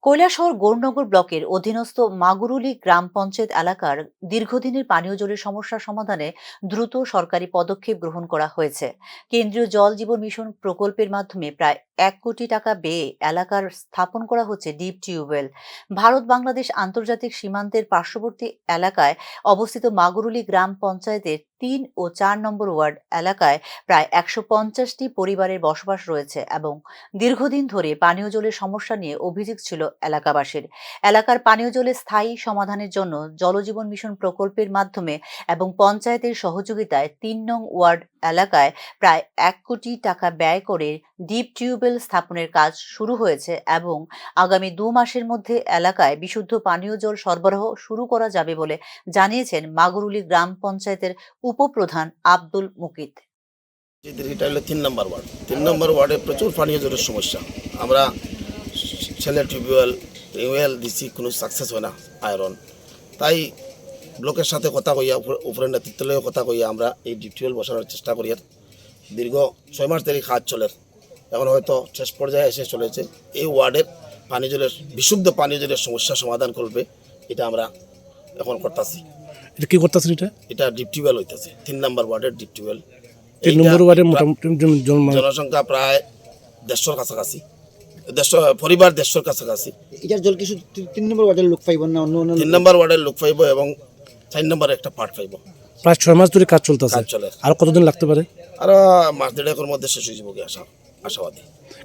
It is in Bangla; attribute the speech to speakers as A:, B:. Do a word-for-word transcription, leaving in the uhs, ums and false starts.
A: কৈলাসহর গৌরনগর ব্লকের অধীনস্থ মাগুরুলি গ্রাম পঞ্চায়েত এলাকার দীর্ঘদিনের পানীয় জলের সমস্যা সমাধানে দ্রুত সরকারি পদক্ষেপ গ্রহণ করা হয়েছে। কেন্দ্রীয় জল জীবন মিশন প্রকল্পের মাধ্যমে প্রায় এক কোটি টাকা ব্যয়ে এলাকার স্থাপন করা হচ্ছে ডিপ টিউবওয়েল। ভারত বাংলাদেশ আন্তর্জাতিক সীমান্তের পার্শ্ববর্তী এলাকায় অবস্থিত মাগুরুলি গ্রাম পঞ্চায়েতের তিন ও চার নম্বর ওয়ার্ড এলাকায় প্রায় একশো পঞ্চাশটি পরিবারের বসবাস রয়েছে এবং দীর্ঘদিন ধরে পানীয় জলের সমস্যা নিয়ে অভিযোগ ছিল এলাকাবাসীর। এলাকার পানীয় জলের স্থায়ী সমাধানের জন্য জলজীবন মিশন প্রকল্পের মাধ্যমে এবং পঞ্চায়েতের সহযোগিতায় তিন নং ওয়ার্ড এলাকায় প্রায় এক কোটি টাকা ব্যয় করে ডিপ টিউবওয়েল স্থাপনের কাজ শুরু হয়েছে এবং আগামী দু মাসের মধ্যে এলাকায় বিশুদ্ধ পানীয় জল সরবরাহ শুরু করা যাবে বলে জানিয়েছেন মাগুরুলি গ্রাম পঞ্চায়েতের উপপ্রধান আব্দুল মুকিত।
B: এটা হলো তিন নম্বর ওয়ার্ড তিন নম্বর ওয়ার্ডে প্রচুর পানীয় জলের সমস্যা। আমরা ছেলে টিউবওয়েল টিউবওয়েল দিচ্ছি, কোনো সাকসেস হয় না আয়রন। তাই ব্লকের সাথে কথা কইয়া উপরের নেতৃত্বের কথা কইয়া আমরা এই ডিপ টিউবওয়েল বসানোর চেষ্টা করি। দীর্ঘ ছয় মাস ধরে কাজ চলে, এখন হয়তো শেষ পর্যায়ে এসে চলেছে। এই ওয়ার্ডের পানীয় জলের বিশুদ্ধ পানীয় জলের সমস্যা সমাধান করবে, এটা আমরা এখন করতেছি।
C: এটা কি করতেছেন? এটা
B: এটা ডিপ টিউবওয়েল হইতেছে তিন নম্বর ওয়ার্ডের ডিপ টিউবওয়েল।
C: তিন নম্বর ওয়ার্ডে মোটামুটি
B: জনসংখ্যা প্রায় দেড়শোর কাছাকাছি, দেড়শো পরিবার দেড়শোর কাছাকাছি।
D: এটার জল কিছু তিন নম্বর ওয়ার্ডের লোক পাইব না, অন্য অন্য
B: তিন নম্বর ওয়ার্ডের লোক পাইব এবং চার নম্বরে একটা পার্ট পাইব।
C: প্রায় ছয় মাস ধরে কাজ চলতেছে,
B: কাজ চলে।
C: আর কতদিন লাগতে পারে?
B: আরো মাস দেড়েকের মধ্যে শেষ হয়ে যাবো আশা আশাবাদী।